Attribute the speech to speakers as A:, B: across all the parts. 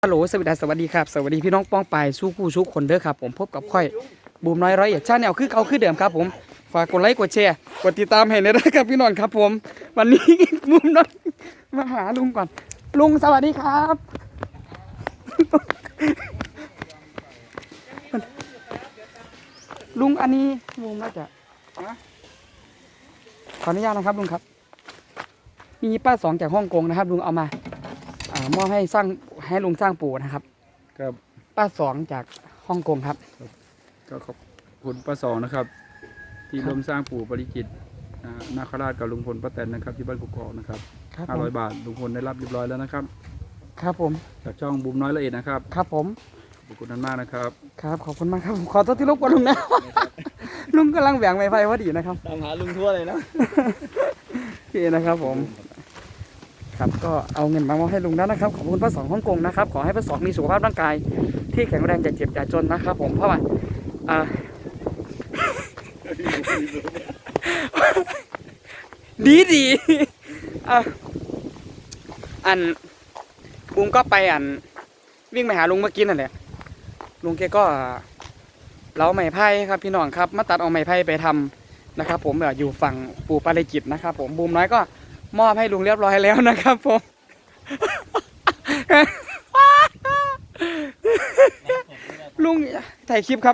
A: ฮัลโหลสวัสดีครับสวัสดีพี่น้องป้องปายสู้ผู้สู้คนเด้อครับผมพบกับค่อยบูมน้อยร้อยเอ็ดชาแนลคือเขาคือเดิมครับผมฝากกดไลค์กดแชร์กดติดตามให้ด้วยนะครับพี่น้องครับผมวันนี้บูมน้อยมาหาลุงก่อนลุงสวัสดีครับลุงอันนี้ลุงน่าจะขออนุญาตนะครับลุงครับมีป้าสองจากฮ่องกงนะครับลุงเอามามอบให้ลุงสร้างปู่นะครับ
B: ครับ
A: ป้าสองจากฮ่องกงครับ
B: ก็ขอบคุณป้าสองนะครับที่ร่วมสร้างปู่ปริจิตรนาคราชกับลุงพลป้าแตนนะครับที่บ้านกุกอกนะครับ500 บาทลุงพลได้รับเรียบร้อยแล้วนะครับ
A: ครับผม
B: จากช่องบูมน้อยละเอียดนะครับ
A: ครับผม
B: ขอบคุณนั้นมากนะครับ
A: ครับขอบคุณมากครับขอโทษที่รบกวนลุงนะ ลุงกำลังแหว่งไม้ไฟพอดีนะครับ
C: ตามหาลุงทั่วเลยนะ
A: โอเคนะครับผมครับก็เอาเงินมามอบให้ลุงแล้วนะครับขอบคุณป้าสองฮ่องกงนะครับขอให้ป้าสองมีสุขภาพร่างกายที่แข็งแรงอย่าเจ็บอย่าจนนะครับผมเพราะว่าดีอันลุงก็ไปวิ่งไปหาลุงเมื่อกี้นั่นแหละลุงแกก็เล้าไม้ไผ่ครับพี่น้องครับมาตัดเอาไม้ไผ่ไปทำนะครับผมอยู่ฝั่งปู่ปาริจิตนะครับผมบูมน้อยก็มอบให้ลุงเรียบร้อยแล้วนะครับผมลุงถ่ายคลิปครับ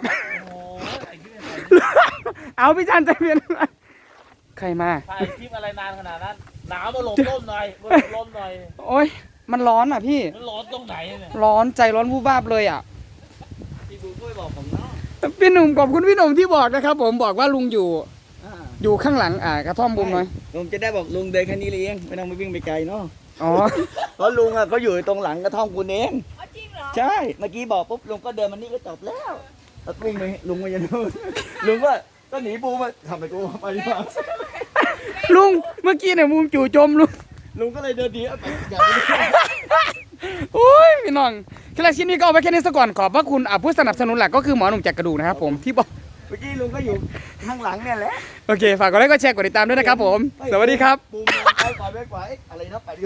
A: เอาพี่จันใจเย็นใครมา
C: ถ่ายคลิปอะไรนานขนาดนั้นหนาวมาหลบร่มหน่อยมาหลบร่มหน่อย
A: โอ้ยมันร้อนอ่ะพี่
C: มันร้อนตรงไหนเนี่ย
A: ร้อนใจร้อนวูบวาบเลยอ่ะ
C: พี่บูช่วยบอกผมเนาะ
A: พี่หนุ่มขอบคุณพี่หนุ่มที่บอกนะครับผมบอกว่าลุงอยู่ข้างหลังกระท่อมบุมหน่อย
C: ลุงจะได้บอกลุงเดินแค่นี้เองไม่ต้องไปวิ่งไปไกลเนาะ
A: อ๋อ
C: เพราะลุงเขาอยู่ตรงหลังกระท่อมคุณเอง
D: จริงเหรอ
C: ใช่เมื่อกี้บอกปุ๊บลุงก็เดินมานี่ก็จบแล้วแล้ววิ่งไปลุงมายันนู่นลุงก็หนีบูมาทำไปกูไปดีกว่า
A: ลุงเมื่อกี้เนี่ยมุมจู่โจม
C: ลุงก็เลยเดินดีไปอย่างนี้
A: โอ้ยพี่น้องคลิปนี้ก็เอาไว้แค่นี้ซะก่อนขอบพระคุณผู้สนับสนุนหลักก็คือหมอหนุ่มจากกระดูกนะครับผมที่บอก
C: เมื่อกี้ลุงก็อยู่ข้างหลังเนี่ยแหละ
A: โอเคฝากกดไลค์กดแชร์กดติดตามด้วยนะครับผมสวัสดีครับ
C: บูมไปก่อนอะไรนะไป